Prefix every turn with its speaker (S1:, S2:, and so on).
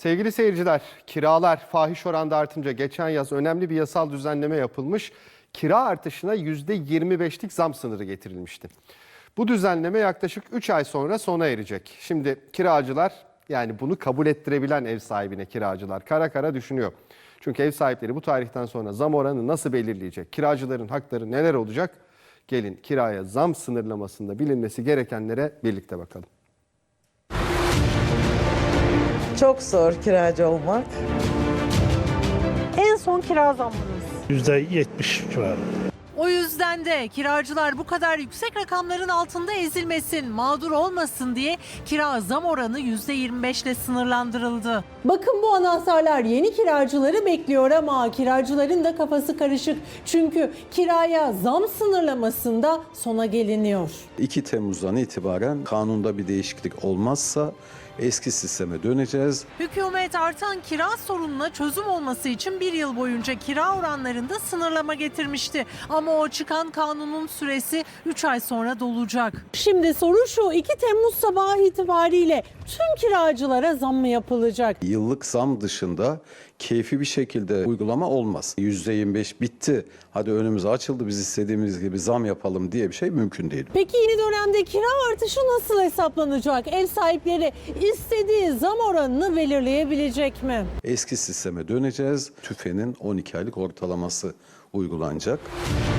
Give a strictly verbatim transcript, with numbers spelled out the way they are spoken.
S1: Sevgili seyirciler, kiralar fahiş oranda artınca geçen yaz önemli bir yasal düzenleme yapılmış. Kira artışına yüzde yirmi beşlik zam sınırı getirilmişti. Bu düzenleme yaklaşık üç ay sonra sona erecek. Şimdi kiracılar, yani bunu kabul ettirebilen ev sahibine kiracılar kara kara düşünüyor. Çünkü ev sahipleri bu tarihten sonra zam oranı nasıl belirleyecek? Kiracıların hakları neler olacak? Gelin kiraya zam sınırlamasında bilinmesi gerekenlere birlikte bakalım.
S2: Çok zor kiracı olmak.
S3: En son kira zammınız.
S4: yüzde yetmiş civarı.
S5: O yüzden de kiracılar bu kadar yüksek rakamların altında ezilmesin, mağdur olmasın diye kira zam oranı yüzde yirmi beş ile sınırlandırıldı.
S3: Bakın bu anahtarlar yeni kiracıları bekliyor ama kiracıların da kafası karışık. Çünkü kiraya zam sınırlamasında sona geliniyor.
S6: iki Temmuz'dan itibaren kanunda bir değişiklik olmazsa eski sisteme döneceğiz.
S5: Hükümet artan kira sorununa çözüm olması için bir yıl boyunca kira oranlarında sınırlama getirmişti. Ama o çıkan kanunun süresi üç ay sonra dolacak.
S3: Şimdi soru şu, iki Temmuz sabahı itibariyle tüm kiracılara zam mı yapılacak?
S6: Yıllık zam dışında keyfi bir şekilde uygulama olmaz. yüzde yirmi beş bitti, hadi önümüz açıldı, biz istediğimiz gibi zam yapalım diye bir şey mümkün değil.
S3: Peki yeni dönemde kira artışı nasıl hesaplanacak? Ev sahipleri istediği zam oranını belirleyebilecek mi?
S6: Eski sisteme döneceğiz. TÜFE'nin on iki aylık ortalaması uygulanacak.